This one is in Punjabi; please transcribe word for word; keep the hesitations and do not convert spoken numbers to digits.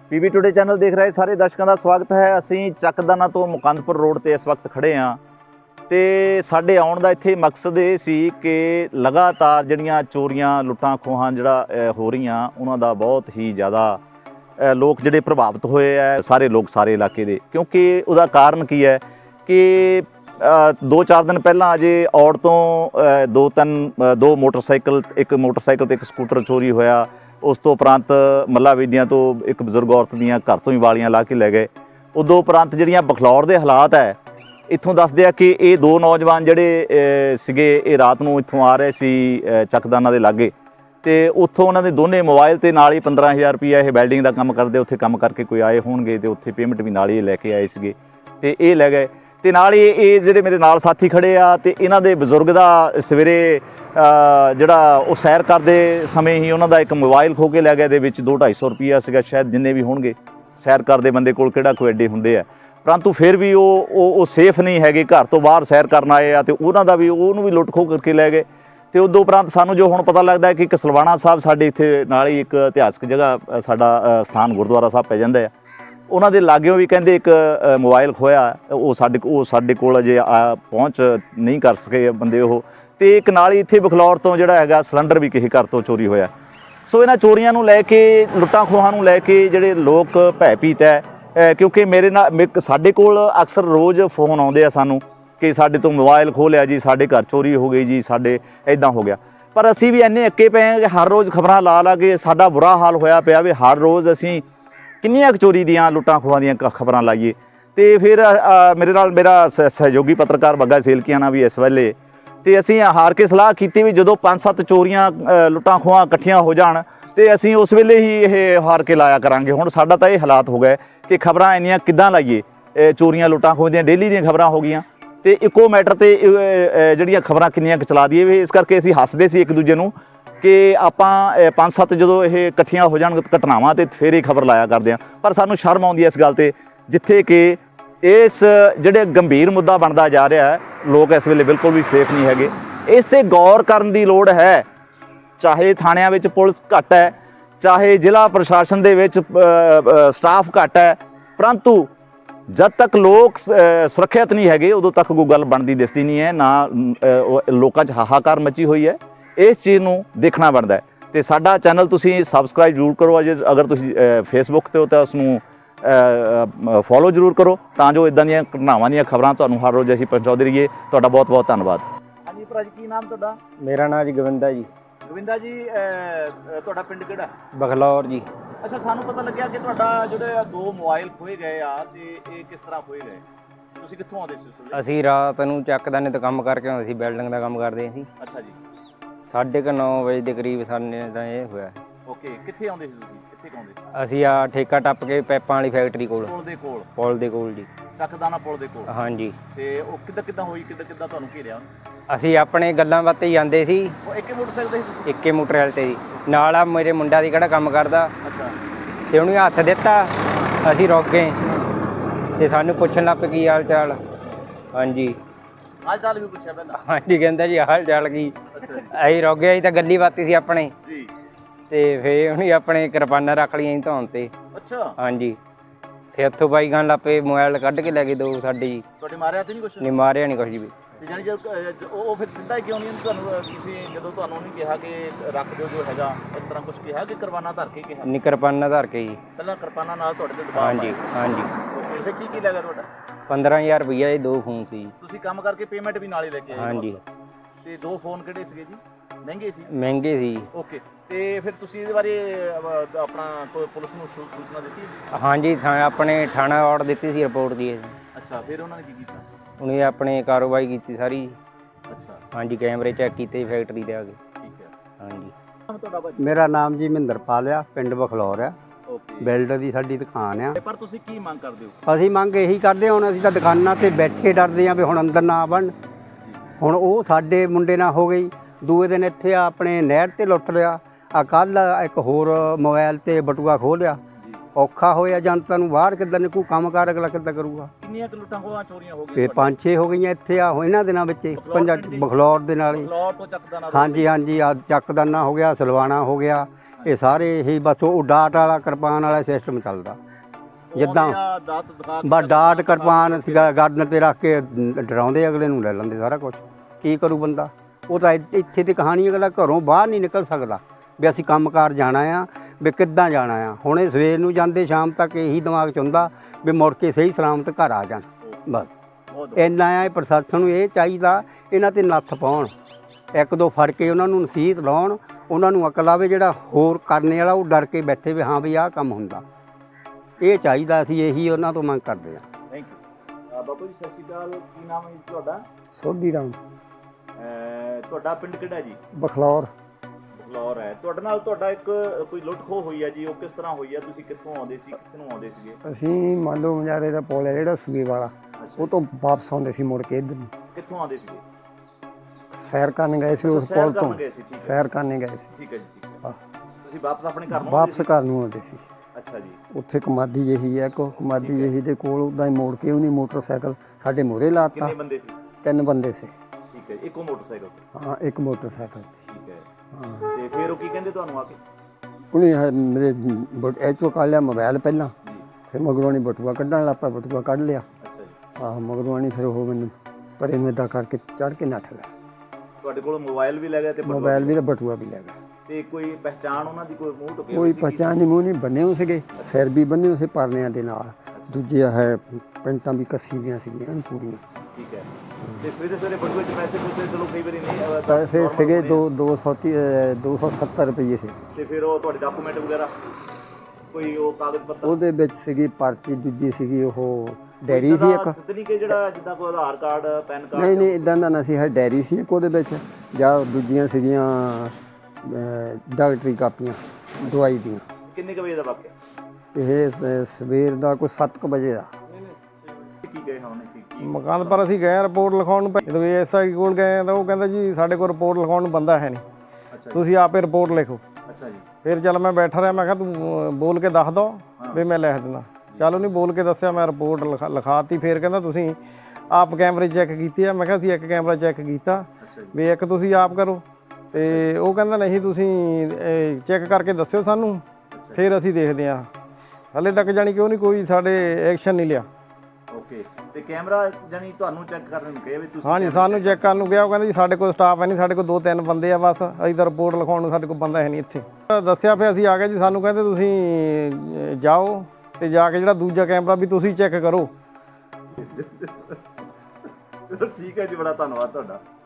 ਪੀਬੀ ਟੂਡੇ ਚੈਨਲ ਦੇਖ ਰਹੇ ਸਾਰੇ ਦਰਸ਼ਕਾਂ ਦਾ ਸਵਾਗਤ ਹੈ। ਅਸੀਂ ਚੱਕਦਾਨਾ ਤੋਂ ਮੁਕੰਦਪੁਰ ਰੋਡ ਤੇ ਇਸ ਵਕਤ ਖੜੇ ਹਾਂ ਤੇ ਸਾਡੇ ਆਉਣ ਦਾ ਇੱਥੇ ਮਕਸਦ ਇਹ ਸੀ ਕਿ ਲਗਾਤਾਰ ਜਿਹੜੀਆਂ ਚੋਰੀਆਂ ਲੁੱਟਾਂ ਖੋਹਾਂ ਜਿਹੜਾ ਹੋ ਰਹੀਆਂ ਉਹਨਾਂ ਦਾ ਬਹੁਤ ਹੀ ਜ਼ਿਆਦਾ ਲੋਕ ਜਿਹੜੇ ਪ੍ਰਭਾਵਿਤ ਹੋਏ ਆ, ਸਾਰੇ ਲੋਕ ਸਾਰੇ ਇਲਾਕੇ ਦੇ। ਕਿਉਂਕਿ ਉਹਦਾ ਕਾਰਨ ਕੀ ਹੈ ਕਿ ਦੋ ਚਾਰ ਦਿਨ ਪਹਿਲਾਂ ਅਜੇ ਔੜ ਤੋਂ ਦੋ ਤਿੰਨ ਦੋ ਮੋਟਰਸਾਈਕਲ ਇੱਕ ਮੋਟਰਸਾਈਕਲ ਤੇ ਇੱਕ ਸਕੂਟਰ ਚੋਰੀ ਹੋਇਆ। ਉਸ ਤੋਂ ਉਪਰੰਤ ਮੱਲਾ ਵੇਦੀਆਂ ਤੋਂ ਇੱਕ ਬਜ਼ੁਰਗ ਔਰਤ ਦੀਆਂ ਘਰ ਤੋਂ ਹੀ ਵਾਲੀਆਂ ਲਾ ਕੇ ਲੈ ਗਏ। ਉਦੋਂ ਉਪਰੰਤ ਜਿਹੜੀਆਂ ਬਖਲੌਰ ਦੇ ਹਾਲਾਤ ਹੈ ਇੱਥੋਂ ਦੱਸਦੇ ਆ ਕਿ ਇਹ ਦੋ ਨੌਜਵਾਨ ਜਿਹੜੇ ਸੀਗੇ ਇਹ ਰਾਤ ਨੂੰ ਇੱਥੋਂ ਆ ਰਹੇ ਸੀ ਚੱਕਦਾਨਾ ਦੇ ਲਾਗੇ ਤੇ ਉੱਥੋਂ ਉਹਨਾਂ ਦੇ ਦੋਨੇ ਮੋਬਾਈਲ ਤੇ ਨਾਲ ਹੀ ਪੰਦਰਾਂ ਹਜ਼ਾਰ ਰੁਪਈਆ ਇਹ ਵੈਲਡਿੰਗ ਦਾ ਕੰਮ ਕਰਦੇ ਉੱਥੇ ਕੰਮ ਕਰਕੇ ਕੋਈ ਆਏ ਹੋਣਗੇ ਤੇ ਉੱਥੇ ਪੇਮੈਂਟ ਵੀ ਨਾਲ ਹੀ ਲੈ ਕੇ ਆਏ ਸੀਗੇ ਤੇ ਇਹ ਲੈ ਗਏ। ਤੇ ਨਾਲ ਹੀ ਇਹ ਜਿਹੜੇ ਮੇਰੇ ਨਾਲ ਸਾਥੀ ਖੜੇ ਆ ਤੇ ਇਹਨਾਂ ਦੇ ਬਜ਼ੁਰਗ ਦਾ ਸਵੇਰੇ ਜਿਹੜਾ ਉਹ ਸੈਰ ਕਰਦੇ ਸਮੇਂ ਹੀ ਉਹਨਾਂ ਦਾ ਇੱਕ ਮੋਬਾਈਲ ਖੋ ਕੇ ਲੈ ਗਏ। ਦੇ ਵਿੱਚ ਦੋ ਢਾਈ ਸੌ ਰੁਪਈਆ ਸੀਗਾ, ਸ਼ਾਇਦ ਜਿੰਨੇ ਵੀ ਹੋਣਗੇ। ਸੈਰ ਕਰਦੇ ਬੰਦੇ ਕੋਲ ਕਿਹੜਾ ਕੋਈ ਐਡੇ ਹੁੰਦੇ ਆ, ਪਰੰਤੂ ਫਿਰ ਵੀ ਉਹ ਉਹ ਸੇਫ ਨਹੀਂ ਹੈਗੇ। ਘਰ ਤੋਂ ਬਾਹਰ ਸੈਰ ਕਰਨ ਆਏ ਆ ਤੇ ਉਹਨਾਂ ਦਾ ਵੀ ਉਹਨੂੰ ਵੀ ਲੁੱਟ ਖੋਹ ਕਰਕੇ ਲੈ ਗਏ। ਤੇ ਉਦੋਂ ਉਪਰੰਤ ਸਾਨੂੰ ਜੋ ਹੁਣ ਪਤਾ ਲੱਗਦਾ ਹੈ ਕਿ ਇੱਕ ਸਲਵਾਣਾ ਸਾਹਿਬ ਸਾਡੇ ਇੱਥੇ ਨਾਲ ਹੀ ਇੱਕ ਇਤਿਹਾਸਕ ਜਗ੍ਹਾ ਸਾਡਾ ਸਥਾਨ ਗੁਰਦੁਆਰਾ ਸਾਹਿਬ ਪੈ ਜਾਂਦਾ ਹੈ, ਉਹਨਾਂ ਦੇ ਲਾਗਿਓਂ ਵੀ ਕਹਿੰਦੇ ਇੱਕ ਮੋਬਾਈਲ ਖੋਇਆ। ਉਹ ਸਾਡੇ ਉਹ ਸਾਡੇ ਕੋਲ ਅਜੇ ਪਹੁੰਚ ਨਹੀਂ ਕਰ ਸਕੇ ਬੰਦੇ ਉਹ। ਤੇ ਇੱਕ ਨਾਲ ਹੀ ਇੱਥੇ ਬਖਲੌਰ ਤੋਂ ਜਿਹੜਾ ਹੈਗਾ ਸਿਲੰਡਰ ਵੀ ਕਿਸੇ ਘਰ ਤੋਂ ਚੋਰੀ ਹੋਇਆ। ਸੋ ਇਹਨਾਂ ਚੋਰੀਆਂ ਨੂੰ ਲੈ ਕੇ ਲੁੱਟਾਂ ਖੋਹਾਂ ਨੂੰ ਲੈ ਕੇ ਜਿਹੜੇ ਲੋਕ ਭੈਭੀਤ ਹੈ, ਕਿਉਂਕਿ ਮੇਰੇ ਨਾਲ ਸਾਡੇ ਕੋਲ ਅਕਸਰ ਰੋਜ਼ ਫੋਨ ਆਉਂਦੇ ਆ ਸਾਨੂੰ ਕਿ ਸਾਡੇ ਤੋਂ ਮੋਬਾਈਲ ਖੋਹ ਲਿਆ ਜੀ, ਸਾਡੇ ਘਰ ਚੋਰੀ ਹੋ ਗਈ ਜੀ, ਸਾਡੇ ਇੱਦਾਂ ਹੋ ਗਿਆ। ਪਰ ਅਸੀਂ ਵੀ ਇੰਨੇ ਅੱਕੇ ਪਏ ਹਾਂ ਕਿ ਹਰ ਰੋਜ਼ ਖਬਰਾਂ ਲਾ ਲਾ ਕੇ ਸਾਡਾ ਬੁਰਾ ਹਾਲ ਹੋਇਆ ਪਿਆ ਵੀ ਹਰ ਰੋਜ਼ ਅਸੀਂ ਕਿੰਨੀਆਂ ਕੁ ਚੋਰੀ ਦੀਆਂ ਲੁੱਟਾਂ ਖੋਹਾਂ ਦੀਆਂ ਖਬਰਾਂ ਲਾਈਏ। ਤੇ ਫਿਰ ਮੇਰੇ ਨਾਲ ਮੇਰਾ ਸਹਿਯੋਗੀ ਪੱਤਰਕਾਰ ਬੱਗਾ ਸੇਲਕੀਆਣਾ ਵੀ ਇਸ ਵੇਲੇ, ਤੇ ਅਸੀਂ ਹਾਰ ਕੇ ਸਲਾਹ ਕੀਤੀ ਵੀ ਜਦੋਂ ਪੰਜ ਸੱਤ ਚੋਰੀਆਂ ਲੁੱਟਾਂ ਖੋਹਾਂ ਇਕੱਠੀਆਂ ਹੋ ਜਾਣ ਤੇ ਅਸੀਂ ਉਸ ਵੇਲੇ ਹੀ ਇਹ ਹਾਰ ਕੇ ਲਾਇਆ ਕਰਾਂਗੇ। ਹੁਣ ਸਾਡਾ ਤਾਂ ਇਹ ਹਾਲਾਤ ਹੋ ਗਏ ਕਿ ਖਬਰਾਂ ਇੰਨੀਆਂ ਕਿੱਦਾਂ ਲਾਈਏ। ਚੋਰੀਆਂ ਲੁੱਟਾਂ ਖੋਹਾਂ ਦੀਆਂ ਡੇਲੀ ਦੀਆਂ ਖਬਰਾਂ ਹੋ ਗਈਆਂ ਤੇ ਇੱਕੋ ਮੈਟਰ ਤੇ ਜਿਹੜੀਆਂ ਖਬਰਾਂ ਕਿੰਨੀਆਂ ਕੁ ਚਲਾ ਦਈਏ ਵੀ। ਇਸ ਕਰਕੇ ਅਸੀਂ ਹੱਸਦੇ ਸੀ ਇੱਕ ਦੂਜੇ ਨੂੰ ਕਿ ਆਪਾਂ ਪੰਜ ਸੱਤ ਜਦੋਂ ਇਹ ਇਕੱਠੀਆਂ ਹੋ ਜਾਣ ਘਟਨਾਵਾਂ ਤੇ ਫਿਰ ਹੀ ਖਬਰ ਲਾਇਆ ਕਰਦੇ ਹਾਂ। ਪਰ ਸਾਨੂੰ ਸ਼ਰਮ ਆਉਂਦੀ ਹੈ ਇਸ ਗੱਲ ਤੇ, ਜਿੱਥੇ ਕਿ ਇਸ ਜਿਹੜੇ ਗੰਭੀਰ ਮੁੱਦਾ ਬਣਦਾ ਜਾ ਰਿਹਾ ਹੈ, ਲੋਕ ਇਸ ਵੇਲੇ ਬਿਲਕੁਲ ਵੀ ਸੇਫ ਨਹੀਂ ਹੈਗੇ। ਇਸ ਤੇ ਗੌਰ ਕਰਨ ਦੀ ਲੋੜ ਹੈ। ਚਾਹੇ ਥਾਣਿਆਂ ਵਿੱਚ ਪੁਲਿਸ ਘੱਟ ਹੈ, ਚਾਹੇ ਜ਼ਿਲ੍ਹਾ ਪ੍ਰਸ਼ਾਸਨ ਦੇ ਵਿੱਚ ਸਟਾਫ ਘੱਟ ਹੈ, ਪਰੰਤੂ ਜਦ ਤੱਕ ਲੋਕ ਸੁਰੱਖਿਅਤ ਨਹੀਂ ਹੈਗੇ ਉਦੋਂ ਤੱਕ ਕੋਈ ਗੱਲ ਬਣਦੀ ਦਿਸਦੀ ਨਹੀਂ ਹੈ। ਨਾ ਲੋਕਾਂ 'ਚ ਹਾਹਾਕਾਰ ਮਚੀ ਹੋਈ ਹੈ। ਇਸ ਚੀਜ਼ ਨੂੰ ਦੇਖਣਾ ਬਣਦਾ ਹੈ। ਤੇ ਸਾਡਾ ਚੈਨਲ ਤੁਸੀਂ ਸਬਸਕ੍ਰਾਈਬ ਜ਼ਰੂਰ ਕਰੋ। ਅਜੇ ਅਗਰ ਤੁਸੀਂ ਫੇਸਬੁੱਕ 'ਤੇ ਹੋ ਤਾਂ ਉਸਨੂੰ ਫੋਲੋ ਜ਼ਰੂਰ ਕਰੋ ਤਾਂ ਜੋ ਇੱਦਾਂ ਦੀਆਂ ਘਟਨਾਵਾਂ ਦੀਆਂ ਖਬਰਾਂ ਤੁਹਾਨੂੰ ਹਰ ਰੋਜ਼ ਅਸੀਂ ਪਹੁੰਚਾਉਂਦੇ ਰਹੀਏ। ਤੁਹਾਡਾ ਬਹੁਤ ਬਹੁਤ ਧੰਨਵਾਦ। ਹਾਂਜੀ ਭਰਾ ਜੀ, ਕੀ ਨਾਮ ਤੁਹਾਡਾ? ਮੇਰਾ ਨਾਮ ਜੀ ਗੋਵਿੰਦਾ ਜੀ। ਗੋਵਿੰਦਾ ਜੀ, ਤੁਹਾਡਾ ਪਿੰਡ ਕਿਹੜਾ? ਬਖਲੌਰ ਜੀ। ਅੱਛਾ, ਸਾਨੂੰ ਪਤਾ ਲੱਗਿਆ ਕਿ ਤੁਹਾਡਾ ਜਿਹੜੇ ਦੋ ਮੋਬਾਈਲ ਖੋਏ ਗਏ ਆ ਤੇ ਇਹ ਕਿਸ ਤਰ੍ਹਾਂ ਖੋਏ ਗਏ? ਤੁਸੀਂ ਕਿੱਥੋਂ ਆਉਂਦੇ ਸੀ? ਅਸੀਂ ਰਾਤ ਨੂੰ ਚੱਕਦਾਨੇ ਤੋਂ ਕੰਮ ਕਰਕੇ ਆਉਂਦੇ ਸੀ, ਬਿਲਡਿੰਗ ਦਾ ਕੰਮ ਕਰਦੇ ਸੀ। ਅੱਛਾ ਜੀ। ਸਾਢੇ ਕੁ ਨੌ ਵਜੇ ਦੇ ਕਰੀਬ ਸਾਡੇ ਤਾਂ ਇਹ ਹੋਇਆ। ਓਕੇ, ਕਿੱਥੇ ਆਉਂਦੇ ਸੀ ਤੁਸੀਂ? ਕਿੱਥੇ ਆਉਂਦੇ? ਅਸੀਂ ਆ ਠੇਕਾ ਟੱਪ ਕੇ ਪੈਪਾਂ ਵਾਲੀ ਫੈਕਟਰੀ ਕੋਲ। ਪੁਲ ਦੇ ਕੋਲ? ਪੁਲ ਦੇ ਕੋਲ ਜੀ, ਚੱਕਦਾਨਾ ਪੁਲ ਦੇ ਕੋਲ। ਹਾਂਜੀ। ਤੇ ਉਹ ਕਿੱਦਾਂ ਕਿੱਦਾਂ ਹੋਈ, ਕਿੱਦਾਂ ਕਿੱਦਾਂ ਤੁਹਾਨੂੰ ਘੇਰਿਆ? ਅਸੀਂ ਆਪਣੇ ਗੱਲਾਂ ਬਾਤਾਂ ਜਾਂਦੇ ਸੀ। ਉਹ ਇੱਕੇ ਮੋਟਰਸਾਈਕਲ ਤੇ ਸੀ ਤੁਸੀਂ? ਇੱਕੇ ਮੋਟਰਸਾਈਕਲ ਤੇ ਜੀ। ਨਾਲ ਆ ਮੇਰੇ ਮੁੰਡਾ ਦੀ ਕਿਹੜਾ ਕੰਮ ਕਰਦਾ। ਅੱਛਾ। ਤੇ ਉਹਨੂੰ ਹੱਥ ਦਿੱਤਾ, ਅਸੀਂ ਰੁਕ ਗਏ ਤੇ ਸਾਨੂੰ ਪੁੱਛਣ ਲੱਗ ਪਏ ਕੀ ਹਾਲ ਚਾਲ। ਹਾਂਜੀ, ਹਾਲ ਚਾਲ ਵੀ ਪੁੱਛਿਆ ਪਹਿਲਾਂ? ਹਾਂਜੀ, ਕਹਿੰਦਾ ਜੀ ਹਾਲ ਚਾਲ ਕੀ। ਅੱਛਾ। ਅਸੀਂ ਰੁਕ ਗਏ, ਅਸੀਂ ਤਾਂ ਗੱਲੀ ਬਾਤੀ ਸੀ ਆਪਣੇ ਜੀ। ਤੇ ਫਿਰ ਉਹਨੇ ਆਪਣੇ ਕਿਰਪਾਨਾਂ ਰੱਖ ਲਈਆਂ ਧੌਣ ਤੇ। ਅੱਛਾ। ਹਾਂਜੀ। ਫਿਰ ਉੱਥੋਂ ਬਾਈ ਗਾਣ ਲੱਪੇ, ਮੋਬਾਈਲ ਕੱਢ ਕੇ ਲੈ ਗਏ ਦੋ ਸਾਡੇ ਜੀ। ਤੁਹਾਡੇ ਮਾਰਿਆ ਤੇ ਨਹੀਂ ਕੁਛ? ਨਹੀਂ, ਮਾਰਿਆ ਨਹੀਂ ਕੁਛ ਜੀ। ਤੇ ਜਾਨੀ ਜਦ ਉਹ ਫਿਰ ਸਿੱਧਾ ਕਿਉਂ ਨਹੀਂ ਤੁਹਾਨੂੰ, ਤੁਸੀਂ ਜਦੋਂ ਤੁਹਾਨੂੰ ਨਹੀਂ ਕਿਹਾ ਕਿ ਰੱਖ ਦਿਓ ਜੋ ਹੈਗਾ, ਇਸ ਤਰ੍ਹਾਂ ਕੁਝ ਕਿਹਾ ਕਿ ਕਿਰਪਾਨਾਂ ਧਰ ਕੇ ਕਿਹਾ? ਨਹੀਂ, ਕਿਰਪਾਨਾਂ ਧਰ ਕੇ ਜੀ। ਪਹਿਲਾਂ ਕਿਰਪਾਨਾਂ ਨਾਲ ਤੁਹਾਡੇ ਤੇ ਦਬਾਅ? ਹਾਂਜੀ ਹਾਂਜੀ। ਫਿਰ ਕੀ ਕੀ ਲੱਗਾ ਤੁਹਾਡਾ? ਪੰਦਰਾਂ ਹਜ਼ਾਰ ਰੁਪਈਆ ਇਹ ਦੋ ਫੋਨ ਸੀ। ਤੁਸੀਂ ਕੰਮ ਕਰਕੇ ਪੇਮੈਂਟ ਵੀ ਨਾਲ ਹੀ ਲੈ ਕੇ ਆਏ? ਹਾਂਜੀ। ਤੇ ਦੋ ਫੋਨ ਕਿਹੜੇ ਸੀਗੇ ਜੀ? ਮਹਿੰਗੇ ਸੀ? ਮਹਿੰਗੇ ਸੀ। ਓਕੇ। ਤੇ ਫਿਰ ਤੁਸੀਂ ਇਹਦੇ ਬਾਰੇ ਆਪਣਾ ਪੁਲਿਸ ਨੂੰ ਸੂਚਨਾ ਦਿੱਤੀ? ਹਾਂਜੀ, ਆਪਣੇ ਥਾਣਾ ਔੜ ਦਿੱਤੀ ਸੀ ਰਿਪੋਰਟ ਦੀ। ਅੱਛਾ, ਫਿਰ ਉਹਨਾਂ ਨੇ ਕੀ ਕੀਤਾ? ਉਹਨੇ ਆਪਣੇ ਕਾਰਵਾਈ ਕੀਤੀ ਸਾਰੀ। ਅੱਛਾ। ਹਾਂਜੀ, ਕੈਮਰੇ ਚੈੱਕ ਕੀਤੇ ਫੈਕਟਰੀ ਦੇ ਆ ਕੇ। ਠੀਕ ਹੈ। ਹਾਂਜੀ। ਤੁਹਾਡਾ ਭਾਜੀ? ਮੇਰਾ ਨਾਮ ਜੀ ਮਹਿੰਦਰਪਾਲ ਆ, ਪਿੰਡ ਬਖਲੌਰ ਆ। ਓਕੇ। ਬਿਲਡਰ ਦੀ ਸਾਡੀ ਦੁਕਾਨ ਆ। ਪਰ ਤੁਸੀਂ ਕੀ ਮੰਗ ਕਰਦੇ ਹੋ? ਅਸੀਂ ਮੰਗ ਇਹੀ ਕਰਦੇ, ਹੁਣ ਅਸੀਂ ਤਾਂ ਦੁਕਾਨਾਂ ਤੇ ਬੈਠੇ ਡਰਦੇ ਆ ਵੀ ਹੁਣ ਅੰਦਰ ਨਾ ਵੜਨ। ਹੁਣ ਉਹ ਸਾਡੇ ਮੁੰਡੇ ਨਾਲ ਹੋ ਗਈ। ਦੂਏ ਦਿਨ ਇੱਥੇ ਆਪਣੇ ਨਹਿਰ ਤੇ ਲੁੱਟ ਲਿਆ। ਆ ਕੱਲ ਇੱਕ ਹੋਰ ਮੋਬਾਈਲ ਤੇ ਬਟੂਆ ਖੋਹ ਲਿਆ। ਔਖਾ ਹੋਇਆ ਜਨਤਾ ਨੂੰ, ਬਾਹਰ ਕਿੱਦਾਂ ਨਿਕੂ, ਕੰਮ ਕਾਰ ਅਗਲਾ ਕਿੱਦਾਂ ਕਰੂਗਾ। ਕਿੰਨੀਆਂ ਕੁ ਲੁੱਟਾਂ ਖੋਹਾਂ ਚੋਰੀਆਂ ਹੋ ਗਈਆਂ? ਇਹ ਪੰਜ ਛੇ ਹੋ ਗਈਆਂ ਇੱਥੇ ਆ ਇਹਨਾਂ ਦਿਨਾਂ ਵਿੱਚ, ਪੰਜਾ ਬਖਲੌਰ ਦੇ ਨਾਲ ਹੀ। ਬਖਲੌਰ ਤੋਂ ਚੱਕਦਾਨਾ? ਹਾਂਜੀ ਹਾਂਜੀ। ਆ ਚੱਕਦਾਨਾ ਹੋ ਗਿਆ, ਸਲਵਾਣਾ ਹੋ ਗਿਆ, ਇਹ ਸਾਰੇ ਇਹੀ ਬਸ ਉਹ ਡਾਟ ਵਾਲਾ ਕਿਰਪਾਨ ਵਾਲਾ ਸਿਸਟਮ ਚੱਲਦਾ ਜਿੱਦਾਂ ਦਾਤ ਦਿਖਾ ਕੇ ਬਸ ਡਾਟ ਕਿਰਪਾਨ ਸੀਗਾ ਗਰਦਨ ਤੇ ਰੱਖ ਕੇ ਡਰਾਉਂਦੇ ਅਗਲੇ ਨੂੰ ਲੈ ਲੈਂਦੇ ਸਾਰਾ ਕੁਝ ਕੀ ਕਰੂ ਬੰਦਾ ਉਹ ਤਾਂ ਇੱਥੇ ਇੱਥੇ ਦੀ ਕਹਾਣੀ ਅਗਲਾ ਘਰੋਂ ਬਾਹਰ ਨਹੀਂ ਨਿਕਲ ਸਕਦਾ ਵੀ ਅਸੀਂ ਕੰਮਕਾਰ ਜਾਣਾ ਆ ਵੀ ਕਿੱਦਾਂ ਜਾਣਾ ਆ ਹੁਣ ਇਹ ਸਵੇਰ ਨੂੰ ਜਾਂਦੇ ਸ਼ਾਮ ਤੱਕ ਇਹੀ ਦਿਮਾਗ 'ਚ ਹੁੰਦਾ ਵੀ ਮੁੜ ਕੇ ਸਹੀ ਸਲਾਮਤ ਘਰ ਆ ਜਾਣ ਬਸ ਬਹੁਤ ਇੰਨਾ ਆ ਇਹ ਪ੍ਰਸ਼ਾਸਨ ਨੂੰ ਇਹ ਚਾਹੀਦਾ ਇਹਨਾਂ ਤੇ ਨੱਥ ਪਾਉਣ ਇੱਕ ਦੋ ਫੜ ਕੇ ਉਹਨਾਂ ਨੂੰ ਨਸੀਹਤ ਲਾਉਣ ਉਹਨਾਂ ਨੂੰ ਅਕਲ ਆਵੇ ਜਿਹੜਾ ਹੋਰ ਕਰਨੇ ਵਾਲਾ ਉਹ ਡਰ ਕੇ ਬੈਠੇ ਵੀ ਹਾਂ ਵੀ ਆਹ ਕੰਮ ਹੁੰਦਾ ਇਹ ਚਾਹੀਦਾ ਅਸੀਂ ਇਹੀ ਉਹਨਾਂ ਤੋਂ ਮੰਗ ਕਰਦੇ ਹਾਂ ਥੈਂਕ ਯੂ ਬਾਪੂ ਜੀ ਸਤਿ ਸ਼੍ਰੀ ਅਕਾਲ ਕੀ ਨਾਮ ਹੈ ਜੀ ਤੁਹਾਡਾ ਸੋਢੀ ਰਾਮ ਅਹ ਤੁਹਾਡਾ ਪਿੰਡ ਕਿਹੜਾ ਜੀ ਬਖਲੌਰ ਬਖਲੌਰ ਹੈ ਤੁਹਾਡੇ ਨਾਲ ਤੁਹਾਡਾ ਇੱਕ ਕੋਈ ਲੁੱਟ ਖੋਹ ਹੋਈ ਹੈ ਜੀ ਉਹ ਕਿਸ ਤਰ੍ਹਾਂ ਹੋਈ ਹੈ ਤੁਸੀਂ ਕਿੱਥੋਂ ਆਉਂਦੇ ਸੀ ਕਿੱਥੇ ਨੂੰ ਆਉਂਦੇ ਸੀਗੇ ਅਸੀਂ ਮੰਨ ਲਓ ਮਜਾਰੇ ਦਾ ਪੁਲ ਹੈ ਜਿਹੜਾ ਸੂਏ ਵਾਲਾ ਅੱਛਾ ਉਹ ਤੋਂ ਵਾਪਸ ਆਉਂਦੇ ਸੀ ਮੁੜ ਕੇ ਇੱਧਰ ਨੂੰ ਕਿੱਥੋਂ ਆਉਂਦੇ ਸੀਗੇ ਸੈਰ ਕਰਨ ਗਏ ਸੀ ਅੱਛਾ, ਉਸ ਸੈਰ ਪੁਲ ਕਰਨ ਤੋਂ ਗਏ ਸੀ, ਠੀਕ ਹੈ ਸੈਰ ਕਰਨ ਗਏ ਸੀ ਠੀਕ ਹੈ ਜੀ ਠੀਕ ਹੈ ਆਹ, ਤੁਸੀਂ ਵਾਪਸ ਆਪਣੇ ਘਰ ਨੂੰ ਵਾਪਸ ਆਉਂਦੇ ਘਰ ਨੂੰ ਆਉਂਦੇ ਸੀ ਸੀ? ਅੱਛਾ ਜੀ ਉੱਥੇ ਕਮਾਦੀ ਜਿਹੀ ਹੈ ਕੋ ਕਮਾਦੀ ਠੀਕ ਹੈ। ਜਿਹੀ ਦੇ ਕੋਲ ਉਦਾਂ ਹੀ ਮੋੜ ਕੇ ਉਹਨੇ ਮੋਟਰਸਾਈਕਲ ਸਾਡੇ ਮੂਹਰੇ ਲਾਤਾ ਕਿੰਨੇ ਬੰਦੇ ਸੀ ਤਿੰਨ ਬੰਦੇ ਸੀ ਠੀਕ ਹੈ ਇੱਕੋ ਮੋਟਰਸਾਈਕਲ ਤੇ ਹਾਂ ਇੱਕ ਮੋਟਰਸਾਈਕਲ ਤੇ। ਠੀਕ ਹੈ ਹਾਂ ਤੇ ਫਿਰ ਉਹ ਕੀ ਕਹਿੰਦੇ ਤੁਹਾਨੂੰ ਆ ਕੇ ਉਹਨੇ ਇਹ ਮੇਰੇ ਬਟ ਐਚੋ ਕੱਢ ਲਿਆ ਮੋਬਾਈਲ ਪਹਿਲਾਂ ਜੀ ਫਿਰ ਮਗਰੋਂ ਨੇ ਬਟੂਆ ਕੱਢਣ ਲੱਗ ਪਿਆ ਬਟੂਆ ਕੱਢ ਲਿਆ ਅੱਛਾ ਜੀ ਆਹ ਮਗਰੋਂ ਨਹੀਂ ਫਿਰ ਉਹ ਮੈਨੂੰ ਪਰੇ ਨੂੰ ਏਦਾਂ ਕਰਕੇ ਚੜ੍ਹ ਕੇ ਨੱਠ ਗਿਆ ਤੁਹਾਡੇ ਕੋਲ ਮੋਬਾਈਲ ਵੀ ਲੈ ਗਿਆ ਤੇ ਬਟੂਆ ਮੋਬਾਈਲ ਵੀ ਤੇ ਬਟੂਆ ਵੀ ਲੈ ਗਿਆ ਤੇ ਕੋਈ ਪਹਿਚਾਣ ਉਹਨਾਂ ਦੀ ਕੋਈ ਮੂੰਹ ਟੁਕਿਆ ਕੋਈ ਪਛਾਣ ਨਹੀਂ ਮੂੰਹ ਨਹੀਂ ਬੰਨੇ ਹੋਏ ਸੀਗੇ ਸਿਰ ਵੀ ਬੰਨੇ ਹੋਏ ਸੀ ਪਰਨਿਆਂ ਦੇ ਨਾਲ ਦੂਜੇ ਹੈ ਪੈਂਟਾਂ ਵੀ ਕੱਸੀ ਦੀਆਂ ਸੀਗੀਆਂ ਐਨ ਪੂਰੀਆਂ ਠੀਕ ਹੈ ਤੇ ਸਵੇਰੇ ਸਵੇਰੇ ਬਟੂਏ 'ਚ ਪੈਸੇ ਪੂਸੇ ਚਲੋ ਕਈ ਵਾਰੀ ਨਹੀਂ ਆਵਾ ਤਾਂ ਪੈਸੇ normal ਸੀਗੇ ਹੁੰਦੇ ਆ। ਦੋ ਦੋ ਸੌ ਤੀ- ਅਹ ਦੋ ਸੌ ਸੱਤਰ ਰੁਪਏ ਸੀ ਤੇ ਫਿਰ ਉਹ ਤੁਹਾਡੇ ਡਾਕੂਮੈਂਟ ਵਗੈਰਾ ਕੋਈ ਉਹ ਕਾਗਜ਼ ਪੱਤਰ ਉਹਦੇ ਵਿੱਚ ਸੀਗੀ ਪਰਚੀ ਦੂਜੀ ਸੀਗੀ ਉਹ ਡੈਰੀ ਸੀ ਇੱਕ ਨਹੀਂ ਕਿ ਜਿਹੜਾ ਜਿੱਦਾਂ ਕੋਈ ਆਧਾਰ ਕਾਰਡ ਪੈਨ ਕਾਰਡ ਨਹੀਂ ਨਹੀਂ ਇਦਾਂ ਦਾ ਨਾ ਸੀ ਹੈ ਡੈਰੀ ਸੀ ਇੱਕ ਉਹਦੇ ਵਿੱਚ ਜਾਂ ਦੂਜੀਆਂ ਸੀਗੀਆਂ ਅਹ, ਡਾਕਟਰੀ ਕਾਪੀਆਂ ਦਵਾਈ ਦੀਆਂ ਕਿੰਨੇ ਕੁ ਵਜੇ ਦਾ ਵਾਕਿਆ ਇਹ ਸ- ਸਵੇਰ ਦਾ ਕੋਈ ਸੱਤ ਕੁ ਵਜੇ ਦਾ ਕੀ ਗਏ ਹਾਂ ਉਹਨੇ ਕੀ ਕੀ ਮਕਾਨ ਪਰ ਅਸੀਂ ਗਏ ਰਿਪੋਰਟ ਲਿਖਾਉਣ ਨੂੰ ਜਦੋਂ ਐਸਆਈ ਕੋਲ ਗਏ ਤਾਂ ਉਹ ਕਹਿੰਦਾ ਜੀ ਸਾਡੇ ਕੋਲ ਰਿਪੋਰਟ ਲਿਖਾਉਣ ਨੂੰ ਬੰਦਾ ਹੈ ਨਹੀਂ ਅੱਛਾ ਜੀ ਤੁਸੀਂ ਆਪੇ ਰਿਪੋਰਟ ਲਿਖੋ ਅੱਛਾ ਜੀ ਫਿਰ ਚੱਲ ਮੈਂ ਬੈਠਾ ਰਿਹਾ ਮੈਂ ਕਿਹਾ ਤੂੰ ਅਹ, ਬੋਲ ਕੇ ਦੱਸ ਦੋ ਵੀ ਮੈਂ ਲਿਖ ਦਿੰਦਾ ਚੱਲ ਉਹਨੇ ਬੋਲ ਕੇ ਦੱਸਿਆ ਮੈਂ ਰਿਪੋਰਟ ਲਿਖਾ ਲਿਖਾਤੀ ਫਿਰ ਕਹਿੰਦਾ ਤੁਸੀਂ ਆਪ ਕੈਮਰੇ ਚੈੱਕ ਕੀਤੀ ਆ ਮੈਂ ਕਿਹਾ ਅਸੀਂ ਇੱਕ ਕੈਮਰਾ ਚੈੱਕ ਕੀਤਾ ਅੱਛਾ ਜੀ ਵੀ ਇੱਕ ਤੁਸੀਂ ਆਪ ਕਰੋ ਤੇ ਉਹ ਕਹਿੰਦਾ ਨਹੀਂ ਤੁਸੀਂ ਚੈੱਕ ਕਰਕੇ ਦੱਸਿਓ ਸਾਨੂੰ ਫਿਰ ਅਸੀਂ ਦੇਖਦੇ ਹਾਂ ਹਾਲੇ ਤੱਕ ਜਾਣੀ ਕਿ ਉਹਨੇ ਕੋਈ ਸਾਡੇ ਐਕਸ਼ਨ ਨਹੀਂ ਲਿਆ ਓਕੇ ਤੇ ਕੈਮਰਾ ਜਾਨੀ ਤੁਹਾਨੂੰ ਚੈੱਕ ਕਰਨ ਨੂੰ ਕਹੇ ਵੀ ਤੁਸੀਂ ਹਾਂਜੀ ਸਾਨੂੰ ਚੈੱਕ ਕਰਨ ਨੂੰ ਗਿਆ ਉਹ ਕਹਿੰਦਾ ਜੀ ਸਾਡੇ ਕੋਲ ਸਟਾਫ ਹੈ ਨਹੀਂ ਸਾਡੇ ਕੋਲ ਦੋ ਤਿੰਨ ਬੰਦੇ ਆ ਬਸ ਅਸੀਂ ਤਾਂ ਰਿਪੋਰਟ ਲਿਖਾਉਣ ਨੂੰ ਸਾਡੇ ਕੋਲ ਬੰਦਾ ਹੈ ਨਹੀਂ ਇੱਥੇ ਦੱਸਿਆ ਫਿਰ ਅਸੀਂ ਆ ਗਏ ਜੀ ਸਾਨੂੰ ਕਹਿੰਦੇ ਤੁਸੀਂ ਅਹ, ਜਾਓ ਤੇ ਜਾ ਕੇ ਜਿਹੜਾ ਦੂਜਾ ਕੈਮਰਾ ਵੀ ਤੁਸੀਂ ਚੈੱਕ ਕਰੋ ਚਲੋ ਠੀਕ ਹੈ ਜੀ ਬੜਾ ਧੰਨਵਾਦ ਤੁਹਾਡਾ